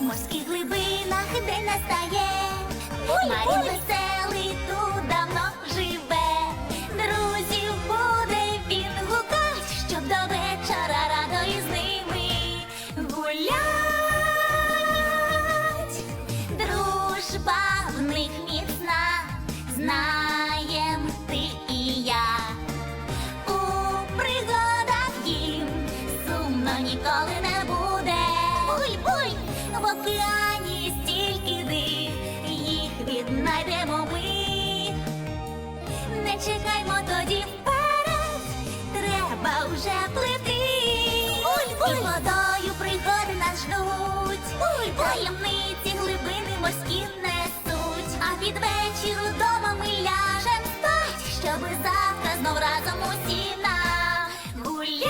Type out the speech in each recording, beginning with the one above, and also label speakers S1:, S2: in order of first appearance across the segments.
S1: морських глибинах день настає. Марін веселий тут давно живе. Друзів буде він гукать, щоб до вечора радо із ними гулять. Дружба в них міцна, знаєм ти і я. У пригадах їм сумно ніколи не буде. Буй-буй! В океані стільки див, їх віднайдемо ми. Не чекаймо тоді вперед, треба вже плити. І водою пригоди нас ждуть. Таємниці глибини морські несуть. А під вечір удома ми ляжем спать, щоби завтра знов разом усі нагулять.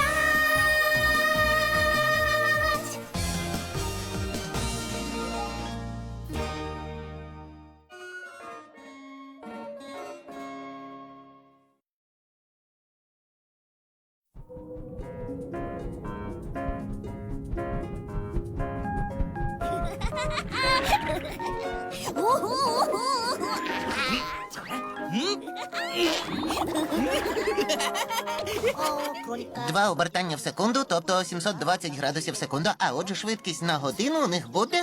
S2: Два обертання в секунду, тобто 720 градусів в секунду, а отже швидкість на годину у них буде...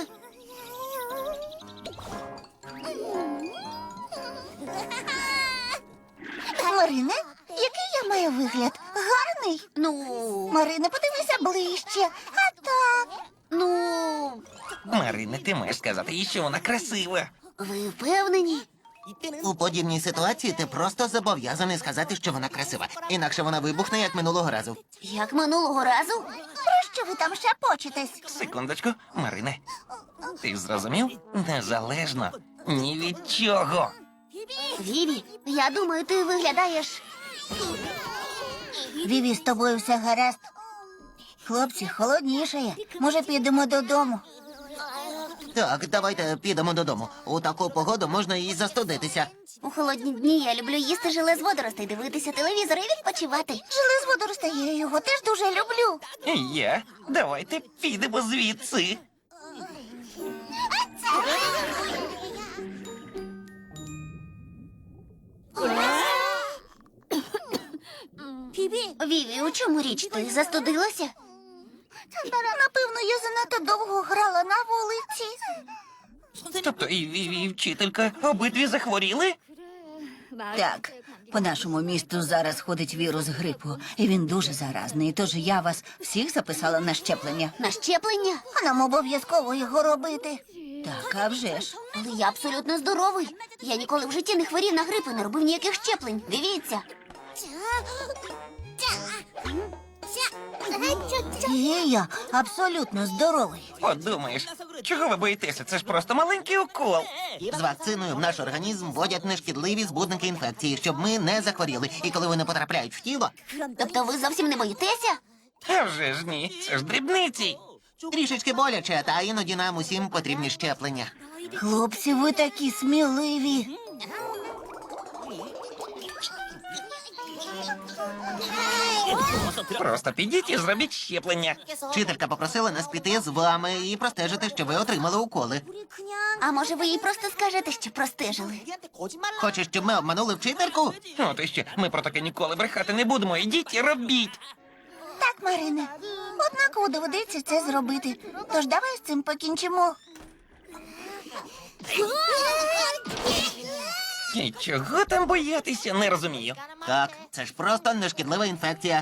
S3: Марине, який я маю вигляд? Гарний? Марине, подивися ближче. А так.
S4: Марине, ти маєш сказати їй, що вона красива.
S3: Ви впевнені?
S2: У подібній ситуації ти просто зобов'язаний сказати, що вона красива. Інакше вона вибухне, як минулого разу.
S3: Як минулого разу? Про що ви там шепочетесь?
S4: Секундочку, Марине. Ти зрозумів? Незалежно. Ні від чого.
S3: Віві, я думаю, ти виглядаєш. Віві, з тобою все гаразд. Хлопці, холоднішає. Може, підемо додому?
S2: Так, давайте підемо додому. У таку погоду можна і застудитися.
S3: У холодні дні я люблю їсти желе з водоростей, дивитися телевізор і відпочивати. Желе з водоростей, я його теж дуже люблю.
S4: І я. Давайте підемо звідси.
S3: Віві, у чому річ? Ти застудилася? Напевно, я занадто довго грала на вулиці.
S4: Тобто і вчителька обидві захворіли?
S5: Так, по нашому місту зараз ходить вірус грипу, і він дуже заразний. Тож я вас всіх записала на щеплення.
S3: На щеплення? А нам обов'язково його робити.
S5: Так, а вже ж.
S3: Але я абсолютно здоровий. Я ніколи в житті не хворів на грип і не робив ніяких щеплень. Дивіться.
S5: І я абсолютно здоровий.
S4: Подумаєш, чого ви боїтеся? Це ж просто маленький укол.
S2: З вакциною в наш організм вводять нешкідливі збудники інфекції, щоб ми не захворіли. І коли вони потрапляють в тіло,
S3: Тобто ви зовсім не боїтеся?
S4: А вже ж ні, це ж дрібниці.
S2: трішечки боляче, та іноді нам усім потрібні щеплення.
S5: Хлопці, ви такі сміливі.
S4: Просто підіть і зробіть щеплення.
S2: Вчителька попросила нас піти з вами і простежити, що ви отримали уколи.
S3: А може ви їй просто скажете, що простежили?
S2: Хочеш, щоб ми обманули вчительку?
S4: От іще, ми про таке ніколи брехати не будемо. Ідіть і робіть.
S3: Так, Марине. Однаково доведеться це зробити. Тож давай з цим покінчимо.
S4: І чого там боятися, не розумію.
S2: Так, це ж просто нешкідлива інфекція.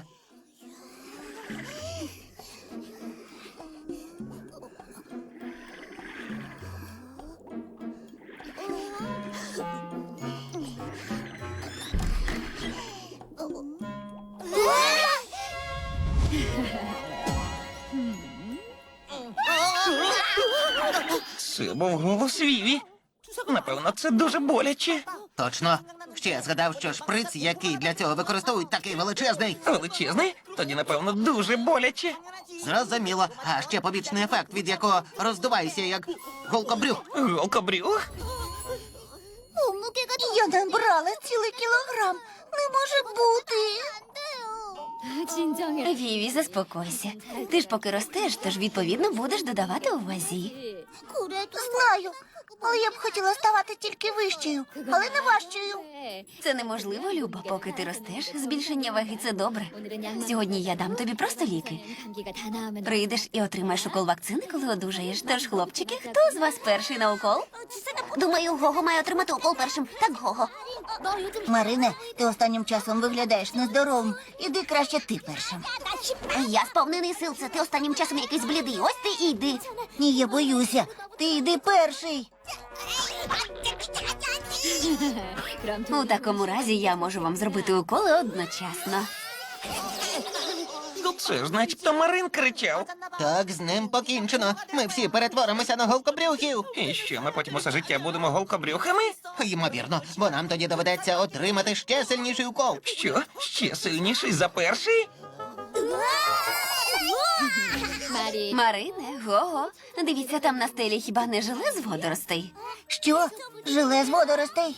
S4: Це був голос Віві. Напевно, це дуже боляче.
S2: Точно. Ще я згадав, що шприц, який для цього використовують, такий величезний.
S4: Величезний? Тоді, напевно, дуже боляче.
S2: Зрозуміло. А ще побічний ефект, від якого роздуваєшся, як голкобрюх.
S4: Голкобрюх?
S3: Я набрала цілий кілограм. Не може бути.
S5: Віві, заспокойся. Ти ж поки ростеш, тож відповідно будеш додавати у вазі.
S3: Знаю, але я б хотіла ставати тільки вищою, але не важчою.
S5: Це неможливо, Люба, поки ти ростеш. Збільшення ваги – це добре. Сьогодні я дам тобі просто ліки. Прийдеш і отримаєш укол вакцини, коли одужаєш. Тож, хлопчики, хто з вас перший на укол?
S1: Думаю, Гого має отримати укол першим. Так, Гого.
S3: Марине, ти останнім часом виглядаєш нездоровим. Іди краще ти першим.
S1: Я сповнений сил, це ти останнім часом якийсь блідий. Ось ти і йди.
S3: Ні, я боюся. Ти йди перший.
S5: У такому разі я можу вам зробити уколи одночасно.
S4: Це ж начебто Марин кричав.
S2: Так, з ним покінчено. Ми всі перетворимося на голкобрюхів.
S4: І що, ми потім усе життя будемо голкобрюхами?
S2: Ймовірно, бо нам тоді доведеться отримати ще сильніший укол.
S4: Що? Ще сильніший за перший?
S5: Марине, Гого, дивіться, там на стелі хіба не желе з водоростей?
S3: Що? Желе з водоростей?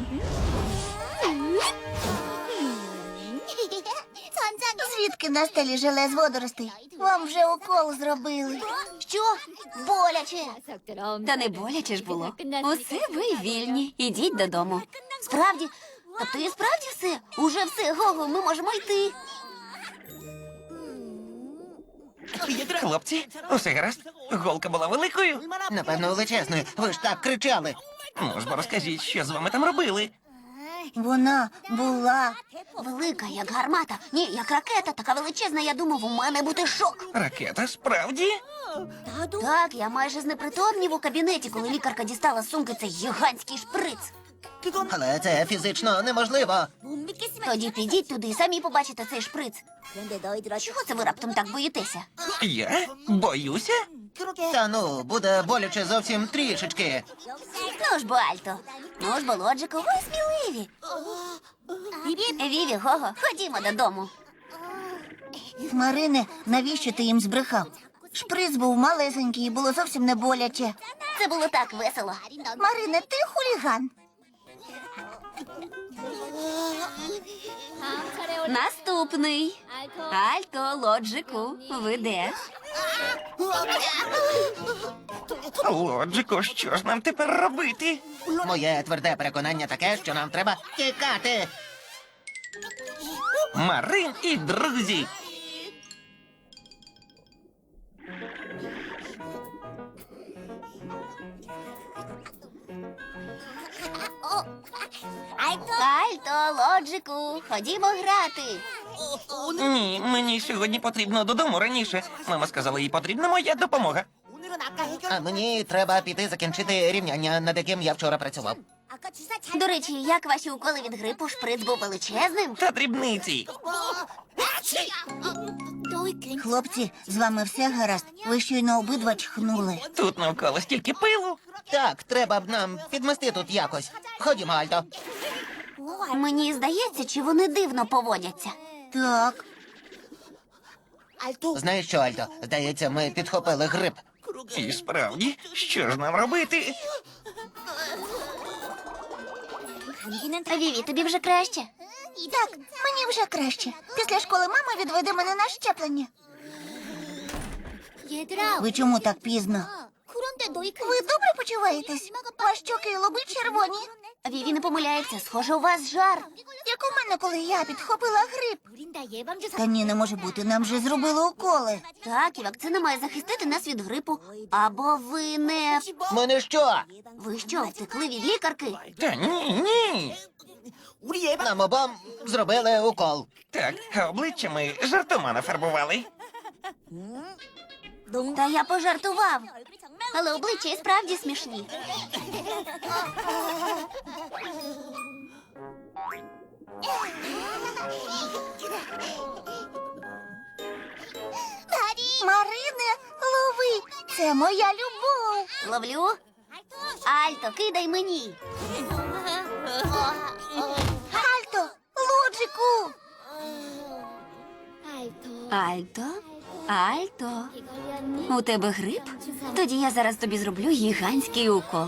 S3: Звідки на стелі желе з водоростей? Вам вже укол зробили.
S1: Що? Боляче.
S5: Та не боляче ж було. Усе ви вільні. Ідіть додому.
S1: Справді? Тобто і справді все? Уже все, Гого, ми можемо йти.
S4: Хлопці, усе гаразд? Голка була великою?
S2: Напевно, величезною. Ви ж так кричали.
S4: Ну ж бо розкажіть, що з вами там робили?
S3: Вона була.
S1: Велика, як гармата. Ні, як ракета, така величезна, я думав, у мене буде шок.
S4: Ракета, справді?
S1: Так, я майже знепритомнів у кабінеті, коли лікарка дістала з сумки цей гігантський шприц.
S2: Але це фізично неможливо.
S1: Тоді підіть туди і самі побачите цей шприц. Чого це ви раптом так боїтеся?
S4: Я? Боюся?
S2: Та ну, буде боляче зовсім трішечки.
S1: Ну ж бо, Альто. Ну ж бо, Лоджику, ви сміливі. Віві, Гого, ходімо додому.
S3: Марине, навіщо ти їм збрехав? Шприц був малесенький і було зовсім не боляче.
S1: Це було так весело.
S3: Марине, ти хуліган.
S5: Наступний. Альто, Лоджику, ви де?
S4: Лоджико, що ж нам тепер робити?
S2: Моє тверде переконання таке, що нам треба тікати.
S4: Марин і друзі.
S1: Альто, Лоджику, ходімо грати.
S4: Ні, мені сьогодні потрібно додому раніше. Мама сказала, їй потрібна моя допомога.
S2: А мені треба піти закінчити рівняння, над яким я вчора працював.
S1: До речі, як ваші уколи від грипу, шприц був величезним?
S4: Та дрібниці.
S3: Хлопці, з вами все гаразд. Ви щойно обидва чхнули.
S4: Тут навколо стільки пилу.
S2: Так, треба б нам підмести тут якось. Ходімо, Альто.
S1: Мені здається, чи вони дивно поводяться.
S3: Так,
S2: Знаєш що, Альто? Здається, ми підхопили грип.
S4: І справді, що ж нам робити?
S1: Віві, тобі вже краще?
S3: так, мені вже краще. Після школи мама відведе мене на щеплення. Ви чому так пізно? Ви добре почуваєтесь? Ваші щоки і лоби червоні.
S1: Віві не помиляється, схоже, у вас жар.
S3: Як у мене, коли я підхопила грип. Та ні, не може бути, нам же зробили уколи.
S1: Так, і вакцина має захистити нас від грипу. Або ви не...
S2: Мене що?
S1: Ви що, втекли від лікарки?
S4: Та ні.
S2: Нам обом зробили укол.
S4: Так, а обличчя ми жартома нафарбували.
S1: Та я пожартував. Але обличчя і справді смішні.
S3: Марине, лови, це моя любов.
S1: Ловлю. Альто, кидай мені.
S3: Альто, Лоджику.
S5: Альто? Альто? У тебе грип? Тоді я зараз тобі зроблю гігантський укол.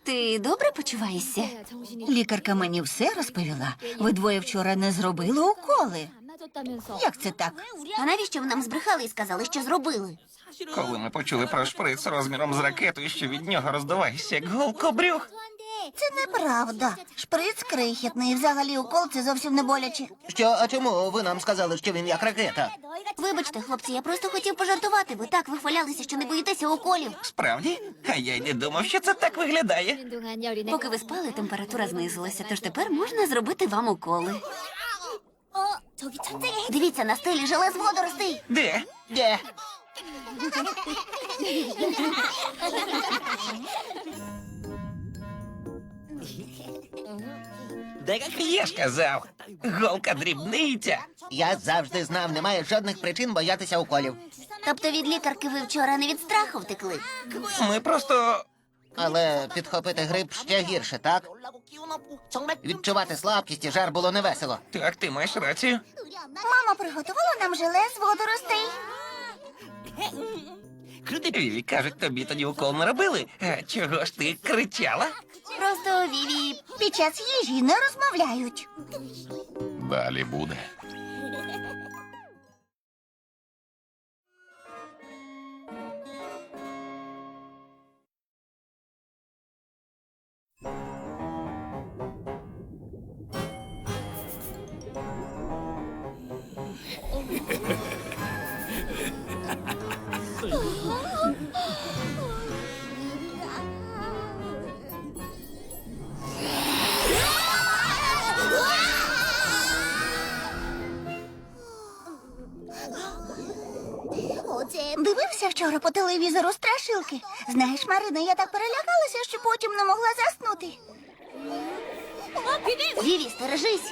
S5: Ти добре почуваєшся?
S3: Лікарка мені все розповіла. Ви двоє вчора не зробили уколи. Як це так?
S1: А навіщо ви нам збрехали і сказали, що зробили?
S4: Коли ми почули про шприц розміром з ракетою, що від нього роздувається як голкобрюх.
S3: Це неправда. Шприц крихітний, і взагалі укол це зовсім не боляче.
S2: Що, а чому ви нам сказали, що він як ракета?
S1: Вибачте, хлопці, я просто хотів пожартувати. Ви так вихвалялися, що не боїтеся уколів.
S4: Справді? А я й не думав, що це так виглядає.
S5: Поки ви спали, температура знизилася, тож тепер можна зробити вам уколи.
S1: Дивіться, на стелі желе з водоростей.
S4: Де?
S2: Де?
S4: Я ж казав, голка дрібниця.
S2: Я завжди знав, немає жодних причин боятися уколів.
S1: Тобто від лікарки ви вчора не від страху втекли?
S4: Ми просто.
S2: Але підхопити грип ще гірше, так? Відчувати слабкість і жар було невесело.
S4: Так, ти маєш рацію.
S3: Мама приготувала нам желе з водоростей.
S4: Віві, кажуть, тобі тоді укол не робили. А чого ж ти кричала?
S1: Просто Віві.
S3: Під час їжі не розмовляють.
S6: Далі буде.
S3: Дивився вчора по телевізору страшилки. Знаєш, Марина, я так перелякалася, що потім не могла заснути.
S1: Віві, стережись.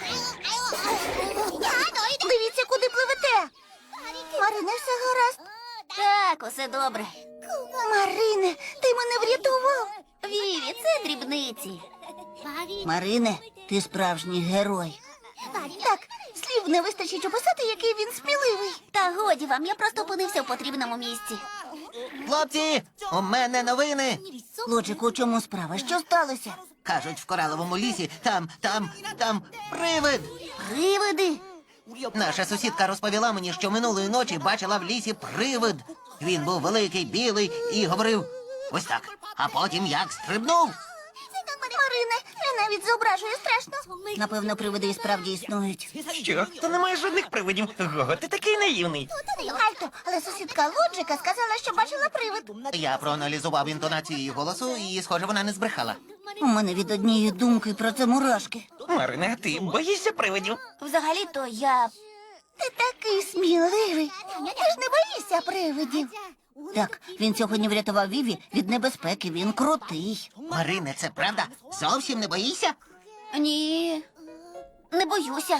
S3: Дивіться, куди пливете. Марине, все гаразд.
S1: Так, усе добре.
S3: Марине, ти мене врятував.
S1: Віві, це дрібниці.
S3: Марине, ти справжній герой. Так, слів не вистачить описати, який він сміливий.
S1: Та годі вам, я просто опинився в потрібному місці.
S2: Хлопці, у мене новини.
S3: Лоджику, у чому справа? Що сталося?
S2: Кажуть, в кораловому лісі там привид.
S1: Привиди.
S2: Наша сусідка розповіла мені, що минулої ночі бачила в лісі привид. Він був великий, білий і говорив ось так. А потім як стрибнув.
S3: Марине, я навіть зображую страшно. Напевно, привиди і справді існують.
S4: Що? Та немає жодних привидів. Гого, ти такий наївний.
S3: Альто, але сусідка Лоджика сказала, що бачила привид.
S2: Я проаналізував інтонацію її голосу, і, схоже, вона не збрехала.
S3: У мене від однієї думки про це мурашки.
S4: Марине, а ти боїшся привидів?
S1: Взагалі-то я.
S3: Ти такий сміливий. Ти ж не боїшся привидів. Так, він сьогодні врятував Віві від небезпеки, він крутий.
S2: Марине, це правда? Зовсім не боїшся?
S1: Ні. Не боюся.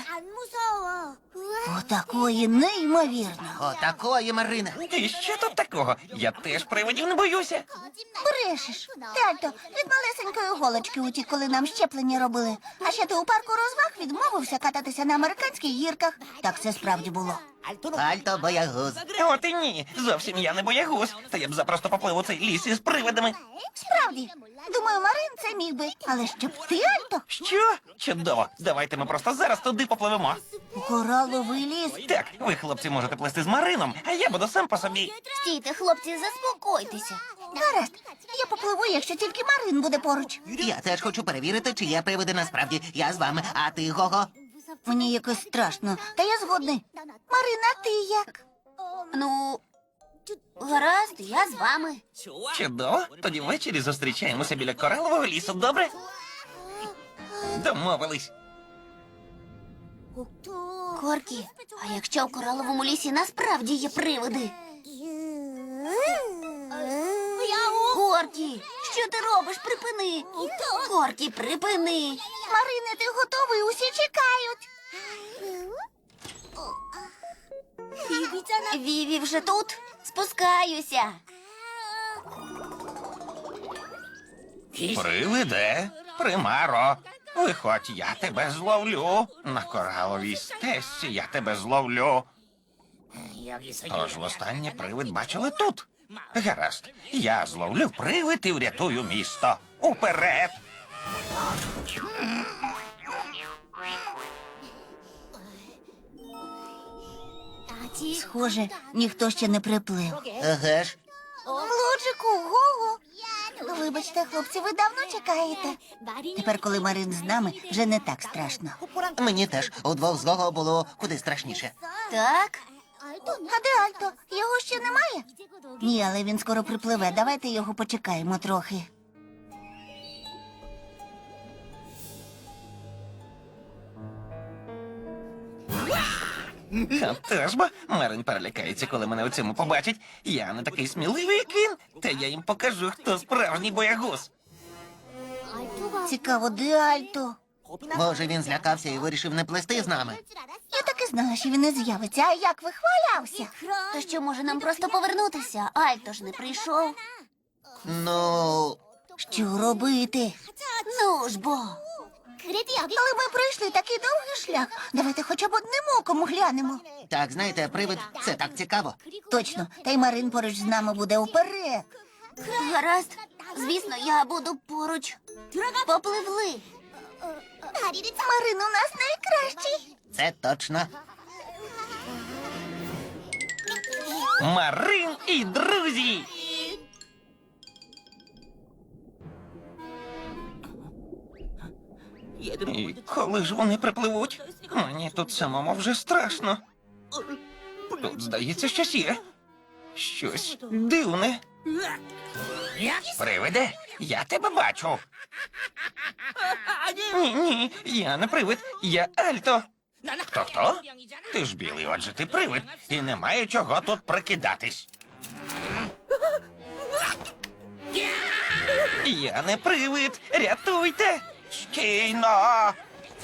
S3: Отакої неймовірно.
S2: Отакої, Марине.
S4: І що тут такого? Я теж привидів не боюся.
S3: Брешеш. Тальто, від малесенької голочки утік, коли нам щеплення робили. А ще ти у парку розваг відмовився кататися на американських гірках. Так це справді було.
S2: Альто боягуз.
S4: От і ні, зовсім я не боягуз. Та я б запросто поплив у цей ліс із привидами.
S3: Справді. Думаю, Марин це міг би. Але щоб ти, Альто,
S4: Що? Чудово. Давайте ми просто зараз туди попливемо.
S3: у кораловий ліс.
S4: Так, ви, хлопці, можете плисти з Марином, а я буду сам по собі.
S1: Стійте, хлопці, заспокойтеся.
S3: Гаразд, я попливу, якщо тільки Марин буде поруч.
S2: Я теж хочу перевірити, чи є привиди насправді. Я з вами, а ти, Гого?
S3: Мені якось страшно, та я згодний. Марина, ти як?
S1: Ну, гаразд, я з вами.
S4: Чудово. Тоді ввечері зустрічаємося біля коралового лісу, добре? Домовились.
S1: Коркі, а якщо в кораловому лісі насправді є привиди? Коркі, що ти робиш? Припини. Коркі, припини.
S3: Марине, ти готовий? Усі чекають.
S1: Віві вже тут? Спускаюся.
S6: Привиде.
S4: Примаро, виходь, я тебе зловлю. На кораловій стежці я тебе зловлю. Тож востаннє привид бачили тут. Гаразд, я зловлю привид і врятую місто. Уперед!
S3: Схоже, ніхто ще не приплив.
S2: Еге ж.
S3: Лоджику, Гого. Вибачте, хлопці, ви давно чекаєте. Тепер, коли Марин з нами, вже не так страшно.
S2: Мені теж удвох з Гого було куди страшніше.
S1: Так?
S3: А де Альто? Його ще немає? Ні, але він скоро припливе. Давайте його почекаємо трохи.
S4: Теж бо Марин перелякається, коли мене у цьому побачить. Я не такий сміливий, як він. Та я їм покажу, хто справжній боягуз.
S3: Цікаво, де Альто?
S2: Може, він злякався і вирішив не плести з нами.
S3: Я так і знала, що він не з'явиться. А як вихвалявся?
S1: То що, може нам просто повернутися? Альто ж не прийшов.
S2: Ну,
S3: Що робити?
S1: Ну ж бо.
S3: Але ми пройшли такий довгий шлях. Давайте хоча б одним оком глянемо.
S2: так, знаєте, привид — це так цікаво.
S3: Точно, та й Марин поруч з нами буде уперед.
S1: Гаразд. Звісно, я буду поруч. Попливли.
S3: Марин у нас найкращий.
S2: Це точно.
S4: Марин і друзі! І коли ж вони припливуть? Мені тут самому вже страшно. Тут, здається, щось є. Щось дивне. Привиде, я тебе бачу. Ні, я не привид, я Альто. Хто? Ти ж білий, отже ти привид, і немає чого тут прикидатись. Я не привид, рятуйте! Стійно!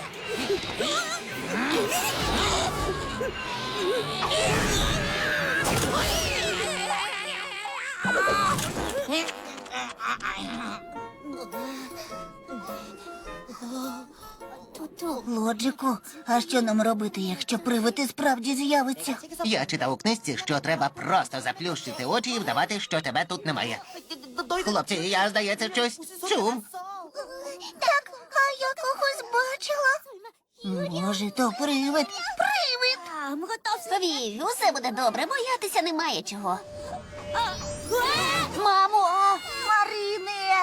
S3: Лоджику, а що нам робити, якщо привид і справді з'явиться?
S2: Я читав у книжці, що треба просто заплющити очі і вдавати, що тебе тут немає. Хлопці, я, здається, щось чув.
S3: Так, а я когось бачила. Може, то привид. Привид!
S1: Вів, усе буде добре, боятися немає чого. Мамо!
S3: Марине!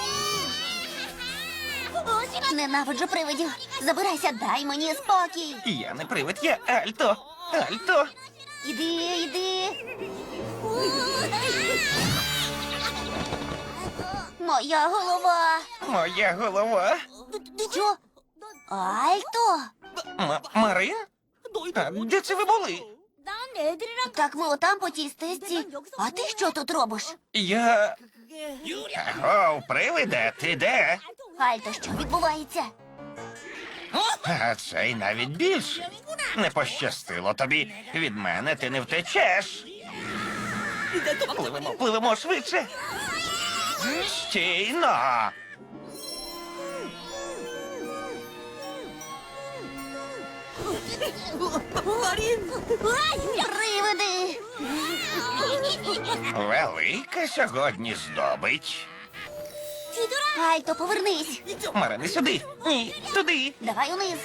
S1: Ненавиджу привидів. Забирайся, дай мені спокій.
S4: Я не привид, я Альто. Альто!
S1: Іди. Моя голова.
S4: Моя голова.
S1: Що? Альто?
S4: Марин? А де це ви були?
S1: Так ми отам по тій стежці. А ти що тут робиш?
S4: Я... Аго, привиде, ти де?
S1: Альто, що відбувається?
S4: А цей навіть більше. Не пощастило тобі. Від мене ти не втечеш. Пливемо швидше. Стійно.
S1: Привиди!
S4: Велика сьогодні здобич.
S1: Альто, повернись.
S4: Марине, сюди. Ні, туди.
S1: Давай униз.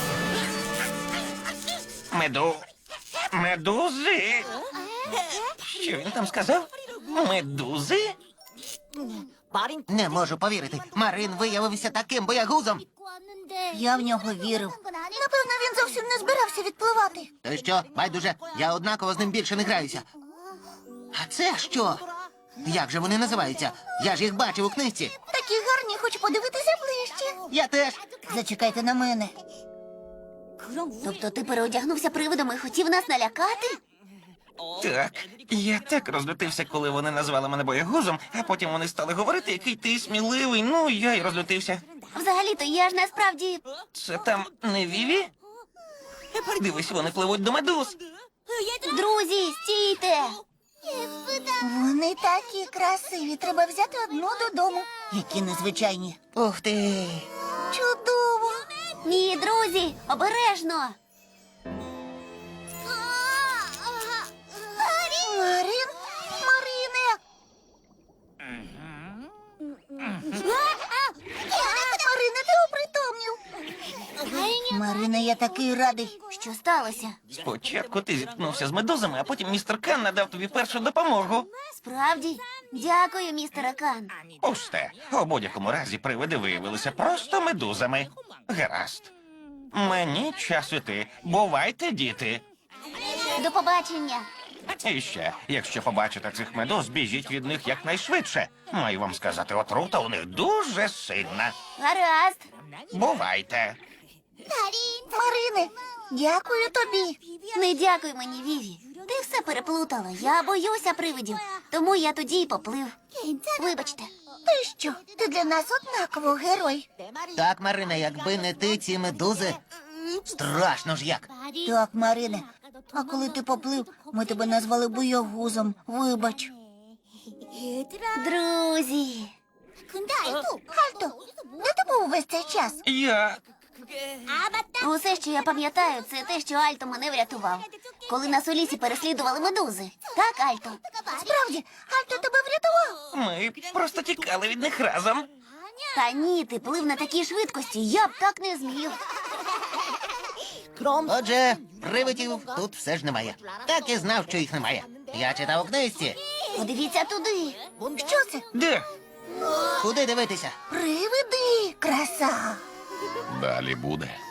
S4: Медузи. Що він там сказав? Медузи?
S2: Не можу повірити. Марин виявився таким боягузом.
S3: Я в нього вірив. Напевно, він зовсім не збирався відпливати.
S2: То що, байдуже, я однаково з ним більше не граюся. А це що? Як же вони називаються? Я ж їх бачив у книжці.
S3: Такі гарні, хочу подивитися ближче.
S2: Я теж.
S3: Зачекайте на мене.
S1: Тобто ти переодягнувся привидом і хотів нас налякати?
S4: Так, я так розлютився, коли вони назвали мене боягузом, а потім вони стали говорити, який ти сміливий. Ну, я й розлютився.
S1: Взагалі-то я ж насправді...
S4: Це там не Віві? Дивись, вони пливуть до медуз.
S1: Друзі, стійте!
S3: Вони такі красиві. Треба взяти одну додому. Які незвичайні.
S2: Ух ти.
S3: Чудово.
S1: Ні, друзі, обережно!
S3: Марин? Марине! Марина, я такий радий.
S1: Що сталося?
S4: Спочатку ти зіткнувся з медузами, а потім містер Кан надав тобі першу допомогу.
S1: Справді? Дякую, містере Кан.
S4: Пусте. У будь-якому разі привиди виявилися просто медузами. Гаразд. Мені час іти. Бувайте, діти.
S1: До побачення.
S4: І ще, якщо побачите цих медуз, біжіть від них якнайшвидше. Маю вам сказати, отрута у них дуже сильна.
S1: Гаразд.
S4: Бувайте.
S3: Марине, дякую тобі.
S1: Не дякуй мені, Віві. Ти все переплутала. Я боюся привидів. Тому я тоді й поплив. Вибачте.
S3: Ти що? Ти для нас однаково герой.
S2: Так, Марина, якби не ти, ці медузи. Страшно ж як.
S3: Так, Марине. А коли ти поплив, ми тебе назвали боягузом. Вибач.
S1: Друзі.
S3: Альто, де ти був весь цей час?
S4: Я.
S1: Усе, що я пам'ятаю, це те, що Альто мене врятував. Коли нас у лісі переслідували медузи. Так, Альто?
S3: Справді, Альто тебе врятував.
S4: Ми просто тікали від них разом.
S1: Та ні, ти плив на такій швидкості. Я б так не зміг.
S2: Отже, привидів тут все ж немає. Так і знав, що їх немає. Я читав у книжці.
S1: Подивіться туди.
S3: Що це?
S4: Де?
S2: Куди дивитися?
S3: Привиди, краса.
S6: Далі буде.